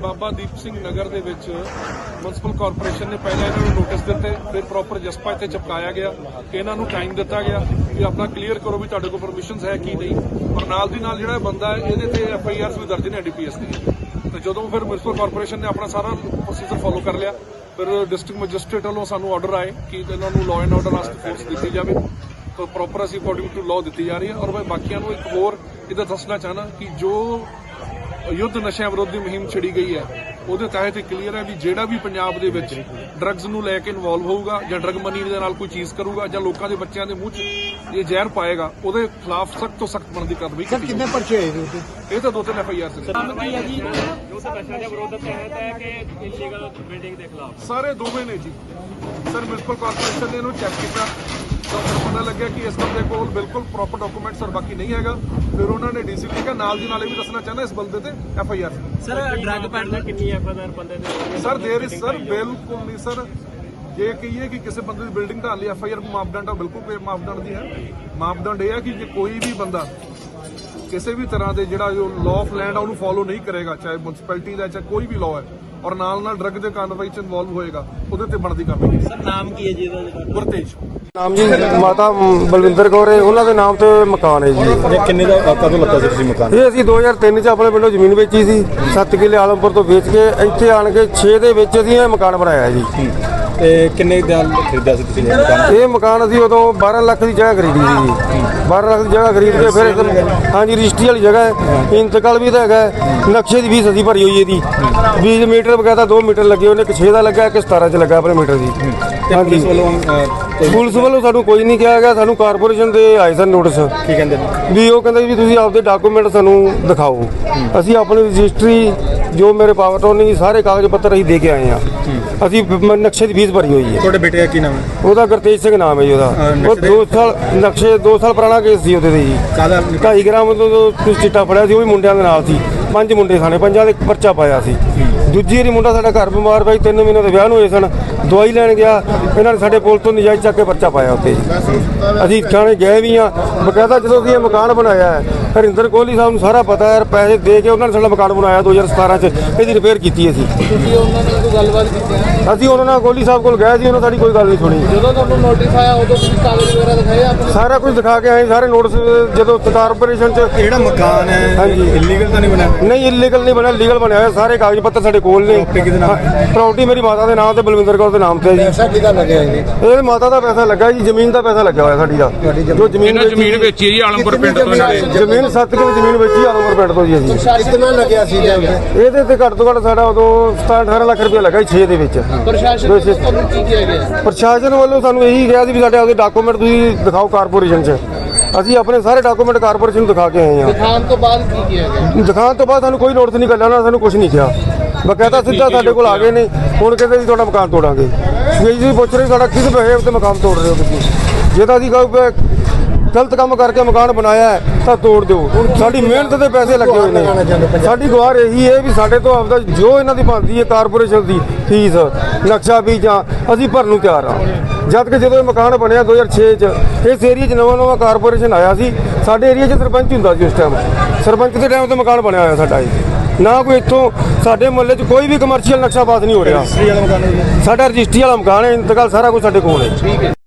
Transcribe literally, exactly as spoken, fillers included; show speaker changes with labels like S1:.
S1: ਬਾਬਾ ਦੀਪ ਸਿੰਘ ਨਗਰ ਦੇ ਵਿੱਚ municipal corporation ਨੇ ਪਹਿਲਾਂ ਇਹਨਾਂ ਨੂੰ ਨੋਟਿਸ ਦਿੱਤੇ, ਫਿਰ ਪ੍ਰੋਪਰ ਜਸਪਾ ਇੱਥੇ ਚਿਪਕਾਇਆ ਗਿਆ ਕਿ ਇਹਨਾਂ ਨੂੰ ਟਾਈਮ ਦਿੱਤਾ ਗਿਆ ਕਿ ਆਪਣਾ ਕਲੀਅਰ ਕਰੋ ਵੀ ਤੁਹਾਡੇ ਕੋਲ ਪਰਮਿਸ਼ਨਸ ਹੈ ਕੀ ਨਹੀਂ। ਔਰ ਨਾਲ ਦੀ ਨਾਲ ਜਿਹੜਾ ਬੰਦਾ ਹੈ ਇਹਦੇ ਤੇ ਐਫ ਆਈ ਆਰਸ ਵੀ ਦਰਜ ਨੇ ਡੀਪੀਐਸ ਦੀ। ਤੇ ਜਦੋਂ ਫਿਰ ਮਿਊਨਿਸਪਲ ਕਾਰਪੋਰੇਸ਼ਨ ਨੇ ਆਪਣਾ ਸਾਰਾ ਪ੍ਰੋਸੀਜਰ ਫੋਲੋ ਕਰ ਲਿਆ, ਫਿਰ ਡਿਸਟ੍ਰਿਕਟ ਮੈਜਿਸਟ੍ਰੇਟ ਵੱਲੋਂ ਸਾਨੂੰ ਆਰਡਰ ਆਏ ਕਿ ਇਹਨਾਂ ਨੂੰ ਲਾਅ ਐਂਡ ਆਰਡਰ ਵਾਸਤੇ ਫੋਰਸ ਦਿੱਤੀ ਜਾਵੇ। ਤਾਂ ਪ੍ਰੋਪਰ ਅਸੀਂ ਅਕੋਰਡਿੰਗ ਟੂ ਲਾਅ ਦਿੱਤੀ ਜਾ ਰਹੀ ਹੈ। ਔਰ ਮੈਂ ਬਾਕੀਆਂ ਨੂੰ ਇੱਕ ਹੋਰ ਇਹਦਾ ਦੱਸਣਾ ਚਾਹਨਾ ਕਿ ਜੋ ਯੁੱਧ ਨਸ਼ਿਆਂ ਵਿਰੋਧੀ ਮੁਹਿੰਮ ਛਿੜੀ ਗਈ ਹੈ ਉਹਦੇ ਤਹਿਤ ਕਲੀਅਰ ਹੈ ਵੀ ਜਿਹੜਾ ਵੀ ਪੰਜਾਬ ਦੇ ਵਿੱਚ ਡਰੱਗਸ ਨੂੰ ਲੈ ਕੇ ਇਨਵੋਲਵ ਹੋਊਗਾ ਜਾਂ ਡਰੱਗ ਮਨੀ ਦੇ ਨਾਲ ਕੋਈ ਚੀਜ਼ ਕਰੂਗਾ ਜਾਂ ਲੋਕਾਂ ਦੇ ਬੱਚਿਆਂ ਦੇ ਮੂੰਹ 'ਚ ਇਹ ਜ਼ਹਿਰ ਪਾਏਗਾ ਉਹਦੇ ਖਿਲਾਫ ਸਖਤ ਤੋਂ ਸਖਤ ਬਣਦੀ ਕਾਰਵਾਈ ਕੀਤੀ।
S2: ਕਿੰਨੇ ਪਰਚੇ ਹੋਏ
S1: ਇਹ ਤਾਂ ਦੋ ਤਿੰਨ ਐਫ ਆਈ ਆਰ ਸੀ। ਸਾਰੇ ਦੋਵੇਂ ਨੇ ਜੀ ਸਰ। ਮਿਊਨਿਸਪਲ ਕਾਰਪੋਰੇਸ਼ਨ ਨੇ ਇਹਨੂੰ ਚੈੱਕ ਕੀਤਾ ਤਾਂ ਪਤਾ ਲੱਗਿਆ ਕਿ ਇਸ ਬੰਦੇ ਕੋਲ ਬਿਲਕੁਲ ਪ੍ਰੋਪਰ ਡਾਕੂਮੈਂਟਸ ਔਰ ਬਾਕੀ ਨਹੀਂ ਹੈਗਾ। ਫਿਰ ਉਹਨਾਂ ਨੇ ਡੀਸੀ ਲਿਖਿਆ। ਨਾਲ ਦੀ ਨਾਲ ਇਹ ਵੀ ਦੱਸਣਾ ਚਾਹੁੰਦਾ ਇਸ ਬੰਦੇ ਤੇ F I R
S3: sir drug peddler ਕਿੰਨੀ ਐਫ ਆਈ ਆਰ ਬੰਦੇ ਦੇ
S1: ਸਰ ਦੇਰ ਇਜ਼ ਸਰ ਬਿਲਕੁਲ ਨਹੀਂ ਸਰ। ਜੇ ਕਹੀਏ ਕਿ ਕਿਸੇ ਬੰਦੇ ਦੀ ਬਿਲਡਿੰਗ ਢਾਣ ਲਈ ਐਫ ਆਈ ਆਰ ਮਾਪਦੰਡ ਆ, ਬਿਲਕੁਲ ਕੋਈ ਮਾਪਦੰਡ ਦੀ ਹੈ। ਮਾਪਦੰਡ ਇਹ ਹੈ ਕਿ ਜੇ ਕੋਈ ਵੀ ਬੰਦਾ ਕਿਸੇ ਵੀ ਤਰ੍ਹਾਂ ਦੇ ਜਿਹੜਾ ਜੋ ਲਾਅ ਆਫ ਲੈਂਡ ਆ ਉਹਨੂੰ ਫੋਲੋ ਨਹੀਂ ਕਰੇਗਾ, ਚਾਹੇ ਮਿਊਨਿਸਪੈਲਿਟੀ ਦਾ ਚਾਹੇ ਕੋਈ ਵੀ ਲਾਅ ਹੈ, ਔਰ ਨਾਲ ਨਾਲ ਡਰੱਗ ਦੇ ਕਾਰਵਾਈ ਚ ਇਨਵੋਲਵ ਹੋਏਗਾ, ਉਹਦੇ ਤੇ ਬਣਦੀ ਕਾਰਵਾਈ।
S3: ਸਰ ਨਾਮ ਕੀ ਹੈ ਜੀ ਇਹਦਾ?
S1: ਗੁਰਤੇਜ
S4: ਨਾਮ ਜੀ ਮਾਤਾ ਬਲਵਿੰਦਰ ਕੌਰ ਹੈ, ਉਹਨਾਂ ਦੇ ਨਾਮ ਤੇ ਮਕਾਨ ਹੈ ਜੀ।
S2: ਕਿੰਨੇ ਦਾ ਕਦੋਂ ਲੱਗਾ ਸੀ ਤੁਸੀਂ ਮਕਾਨ?
S4: ਇਹ ਅਸੀਂ ਦੋ ਹਜ਼ਾਰ ਤਿੰਨ ਚ ਆਪਣੇ ਪਿੰਡੋਂ ਜ਼ਮੀਨ ਵੇਚੀ ਸੀ, ਸੱਤ ਕਿੱਲੇ ਆਲਮਪੁਰ ਤੋਂ ਵੇਚ ਕੇ ਇੱਥੇ ਆਣ ਕੇ ਛੇ ਦੇ ਵਿੱਚ ਅਸੀਂ ਇਹ ਮਕਾਨ ਬਣਾਇਆ ਜੀ।
S2: ਤੇ ਕਿੰਨੇ ਦਾ ਖਰੀਦਿਆ ਸੀ ਤੁਸੀਂ ਇਹ ਮਕਾਨ?
S4: ਇਹ ਮਕਾਨ ਅਸੀਂ ਉਦੋਂ ਬਾਰਾਂ ਲੱਖ ਦੀ ਜਗ੍ਹਾ ਖਰੀਦੀ ਸੀ ਜੀ। ਬਾਰਾਂ ਲੱਖ ਦੀ ਜਗ੍ਹਾ ਖਰੀਦ ਕੇ ਫਿਰ ਇੱਧਰ- ਹਾਂਜੀ ਰਜਿਸਟਰੀ ਵਾਲੀ ਜਗ੍ਹਾ ਹੈ, ਇੰਤਕਾਲ ਵੀ ਤਾਂ ਹੈਗਾ ਹੈ। ਨਕਸ਼ੇ ਦੀ ਫੀਸ ਅਸੀਂ ਭਰੀ ਹੋਈ ਇਹਦੀ ਵੀਹ ਮੀਟਰ ਬਕਾਇਦਾ ਦੋ ਮੀਟਰ ਲੱਗੇ, ਉਹਨੇ ਇੱਕ ਛੇ ਦਾ ਲੱਗਾ ਇੱਕ ਸਤਾਰਾਂ ਚ ਲੱਗਾ ਆਪਣੇ ਮੀਟਰ ਦੀ। ਹਾਂਜੀ ਪੁਲਿਸ ਵੱਲੋਂ ਸਾਨੂੰ ਕੋਈ ਨਹੀਂ ਕਿਹਾ ਗਿਆ, ਸਾਨੂੰ ਕਾਰਪੋਰੇਸ਼ਨ ਦੇ ਆਏ ਸਨ ਨੋਟਿਸ।
S2: ਕੀ ਕਹਿੰਦੇ ਨੇ?
S4: ਵੀ ਉਹ ਕਹਿੰਦੇ ਵੀ ਤੁਸੀਂ ਆਪਦੇ ਡਾਕੂਮੈਂਟ ਸਾਨੂੰ ਦਿਖਾਓ। ਅਸੀਂ ਆਪਣੀ ਰਜਿਸਟਰੀ ਜੋ ਮੇਰੇ ਪਾਵਰ ਤੋਂ ਨਹੀਂ ਸਾਰੇ ਕਾਗਜ਼ ਪੱਤਰ ਅਸੀਂ ਦੇ ਕੇ ਆਏ ਆ। ਅਸੀਂ ਮ- ਨਕਸ਼ੇ ਦੀ ਫੀਸ ਭਰੀ ਹੋਈ ਹੈ।
S2: ਤੁਹਾਡੇ ਬੇਟੇ ਦਾ ਕੀ ਨਾਮ ਹੈ?
S4: ਉਹਦਾ ਗੁਰਤੇਜ ਸਿੰਘ ਨਾਮ ਹੈ ਜੀ ਉਹਦਾ। ਉਹ ਦੋ ਸਾਲ ਨਕਸ਼ੇ ਦੋ ਸਾਲ ਪੁਰਾਣਾ ਕੇਸ ਸੀ ਉਹਦੇ ਤੇ ਜੀ।
S2: ਕਾਹਦਾ?
S4: ਢਾਈ ਗ੍ਰਾਮ ਤੋਂ ਕੁਝ ਚਿੱਟਾ ਫੜਿਆ ਸੀ, ਉਹ ਵੀ ਮੁੰਡਿਆਂ ਦੇ ਨਾਲ ਸੀ। ਪੰਜ ਮੁੰਡੇ ਸਾਨੇ ਪੰਜਾਂ ਦੇ ਪਰਚਾ ਪਾਇਆ ਸੀ। ਦੂਜੀ ਵਾਰੀ ਮੁੰਡਾ ਸਾਡਾ ਘਰ ਬਿਮਾਰ ਪਿਆ, ਤਿੰਨ ਮਹੀਨੇ ਦੇ ਵਿਆਹ ਨੂੰ ਹੋਏ ਸਨ, ਦਵਾਈ ਲੈਣ ਗਿਆ, ਇਹਨਾਂ ਨੇ ਸਾਡੇ ਪੁਲ ਤੋਂ ਨਜਾਇਜ਼ ਚੱਕ ਕੇ ਪਰਚਾ ਪਾਇਆ ਉੱਤੇ। ਅਸੀਂ ਥਾਣੇ ਗਏ ਵੀ ਆ ਬਕਾਇਦਾ। ਜਦੋਂ ਅਸੀਂ ਇਹ ਮਕਾਨ ਬਣਾਇਆ ਹੈ, ਹਰਿੰਦਰ ਕੋਹਲੀ ਸਾਹਿਬ ਨੂੰ ਸਾਰਾ ਪਤਾ ਹੈ, ਪੈਸੇ ਦੇ ਕੇ ਉਹਨਾਂ ਨੇ ਸਾਡਾ ਮਕਾਨ ਬਣਾਇਆ ਦੋ ਹਜ਼ਾਰ ਸਤਾਰਾਂ ਚ। ਇਹਦੀ ਰਿਪੇਅਰ ਕੀਤੀ ਅਸੀਂ।
S2: ਤੁਸੀਂ ਉਹਨਾਂ ਨਾਲ ਕੋਈ ਗੱਲਬਾਤ ਕੀਤੀ?
S4: ਅਸੀਂ ਉਹਨਾਂ ਨਾਲ ਕੋਹਲੀ ਸਾਹਿਬ ਕੋਲ ਗਏ ਸੀ, ਉਹਨਾਂ ਸਾਡੀ ਕੋਈ ਗੱਲ ਨਹੀਂ ਸੁਣੀ।
S2: ਜਦੋਂ ਤੁਹਾਨੂੰ ਨੋਟਿਸ ਆਇਆ ਉਦੋਂ ਤੁਸੀਂ ਕਾਗਜ਼ ਵਗੈਰਾ ਦਿਖਾਏ ਆਪਣੇ?
S4: ਸਾਰਾ ਕੁਝ ਦਿਖਾ ਕੇ ਆਏ, ਸਾਰੇ ਨੋਟਿਸ। ਜਦੋਂ ਕਾਰਪੋਰੇਸ਼ਨ ਚ
S2: ਜਿਹੜਾ ਮਕਾਨ ਹੈ
S4: ਹਾਂਜੀ
S2: ਇਲੀਗਲ ਤਾਂ ਨਹੀਂ ਬਣਿਆ?
S4: ਨਹੀਂ ਇਲੀਗਲ ਨਹੀਂ ਬਣਿਆ, ਲੀਗਲ ਬਣਿਆ ਹੋਇਆ। ਸਾਰੇ ਕਾਗਜ਼ ਪੱਤਰ ਸਾਡੇ ਕੋਲ ਨੇ। ਪ੍ਰਾਪਰਟੀ ਮੇਰੀ ਮਾਤਾ ਦੇ ਨਾਮ ਤੇ ਬਲਵਿੰਦਰ ਕੌਰ ਦੇ ਨਾਮ ਤੇ ਹੈ ਜੀ।
S2: ਪੈਸਾ ਕਿਹਦਾ ਲੱਗਿਆ ਜੀ?
S4: ਇਹ ਮਾਤਾ ਦਾ ਪੈਸਾ ਲੱਗਾ ਜੀ, ਜ਼ਮੀਨ ਦਾ ਪੈਸਾ ਲੱਗਿਆ ਹੋਇਆ ਸਾਡੀ ਦਾ। ਜੋ ਜ਼ਮੀਨ
S1: ਜ਼ਮੀਨ ਵੇਚੀ ਜੀ ਆਲਮਪੁਰ ਪਿੰਡ ਤੋਂ ਇਹਨਾਂ ਨੇ।
S4: ਜ਼ਮੀਨ ਸੱਤ ਕਿੱਲੇ ਜ਼ਮੀਨ ਵੇਚੀ ਆਲਮਪੁਰ ਪਿੰਡ ਤੋਂ ਜੀ ਅਸੀਂ।
S2: ਕਿੰਨਾ ਲੱਗਿਆ ਸੀ ਜੀ?
S4: ਇਹਦੇ ਤੇ ਘੱਟ ਤੋਂ ਘੱਟ ਸਾਡਾ ਉਦੋਂ ਸਤਾਰਾਂ ਅਠਾਰਾਂ ਲੱਖ ਰੁਪਏ ਲੱਗਾ ਜੀ ਛੇ ਦੇ ਵਿੱਚ।
S2: ਪ੍ਰਸ਼ਾਸਨ ਵੱਲੋਂ ਤੁਹਾਨੂੰ ਕੀ ਕਿਹਾ ਗਿਆ?
S4: ਪ੍ਰਸ਼ਾਸਨ ਵੱਲੋਂ ਸਾਨੂੰ ਇਹੀ ਕਿਹਾ ਸੀ ਵੀ ਸਾਡੇ ਆਪਦੇ ਡਾਕੂਮੈਂਟ ਤੁਸੀਂ ਦਿਖਾਓ ਕਾਰਪੋਰੇਸ਼ਨ 'ਚ। ਅਸੀਂ ਆਪਣੇ ਸਾਰੇ ਡਾਕੂਮੈਂਟ ਕਾਰਪੋਰੇਸ਼ਨ ਨੂੰ ਦਿਖਾ ਕੇ ਆਏ ਹਾਂ।
S2: ਦਿਖਾਉਣ ਤੋਂ ਬਾਅਦ ਕੀ ਕਿਹਾ ਗਿਆ?
S4: ਦਿਖਾਉਣ ਤੋਂ ਬਾਅਦ ਸਾਨੂੰ ਕੋਈ ਨੋਟਿਸ ਨਹੀਂ ਕਰਨਾ, ਉਹਨਾਂ ਨੇ ਸਾਨੂੰ ਕੁਝ ਨਹੀਂ ਕਿਹਾ। ਬਕਾਇਦਾ ਸਿੱਧਾ ਸਾਡੇ ਕੋਲ ਆ ਗਏ ਨੇ। ਹੁਣ ਕਹਿੰਦੇ ਜੀ ਤੁਹਾਡਾ ਮਕਾਨ ਤੋੜਾਂਗੇ। ਵੀ ਜੀ ਪੁੱਛ ਰਹੇ ਸਾਡਾ ਕਿਸ ਬਿਹੇਵ ਤੇ ਮਕਾਨ ਤੋੜ ਰਹੇ ਹੋ ਤੁਸੀਂ? ਜੇ ਤਾਂ ਅਸੀਂ ਕਹੋ ਗਲਤ ਕੰਮ ਕਰਕੇ ਮਕਾਨ ਬਣਾਇਆ ਹੈ ਤਾਂ ਤੋੜ ਦਿਓ। ਸਾਡੀ ਮਿਹਨਤ ਦੇ ਪੈਸੇ ਲੱਗੇ ਹੋਏ ਨੇ। ਸਾਡੀ ਗੁਹਾਰ ਇਹੀ ਹੈ ਵੀ ਸਾਡੇ ਤੋਂ ਆਪਦਾ ਜੋ ਇਹਨਾਂ ਦੀ ਬਣਦੀ ਹੈ ਕਾਰਪੋਰੇਸ਼ਨ ਦੀ ਫੀਸ ਨਕਸ਼ਾ ਵੀ ਜਾਂ ਅਸੀਂ ਭਰਨ ਨੂੰ ਤਿਆਰ ਹਾਂ। ਜਦ ਕਿ ਜਦੋਂ ਇਹ ਮਕਾਨ ਬਣਿਆ ਦੋ ਹਜ਼ਾਰ ਛੇ ਚ ਇਸ ਏਰੀਆ 'ਚ ਨਵਾਂ ਨਵਾਂ ਕਾਰਪੋਰੇਸ਼ਨ ਆਇਆ ਸੀ। ਸਾਡੇ ਏਰੀਆ 'ਚ ਸਰਪੰਚ ਹੁੰਦਾ ਸੀ ਉਸ ਟਾਈਮ। ਸਰਪੰਚ ਦੇ ਟਾਈਮ ਤੇ ਮਕਾਨ ਬਣਿਆ ਹੋਇਆ ਸਾਡਾ ਇਹ। ਨਾ ਕੋਈ ਇੱਥੋਂ ਸਾਡੇ ਮੁਹੱਲੇ 'ਚ ਕੋਈ ਵੀ ਕਮਰਸ਼ੀਅਲ ਨਕਸ਼ਾ ਪਾਸ ਨਹੀਂ ਹੋ ਰਿਹਾ। ਸਾਡਾ ਰਜਿਸਟਰੀ ਵਾਲਾ ਮਕਾਨ ਹੈ, ਇੰਤਕਾਲ ਸਾਰਾ ਕੁਝ ਸਾਡੇ ਕੋਲ ਹੈ।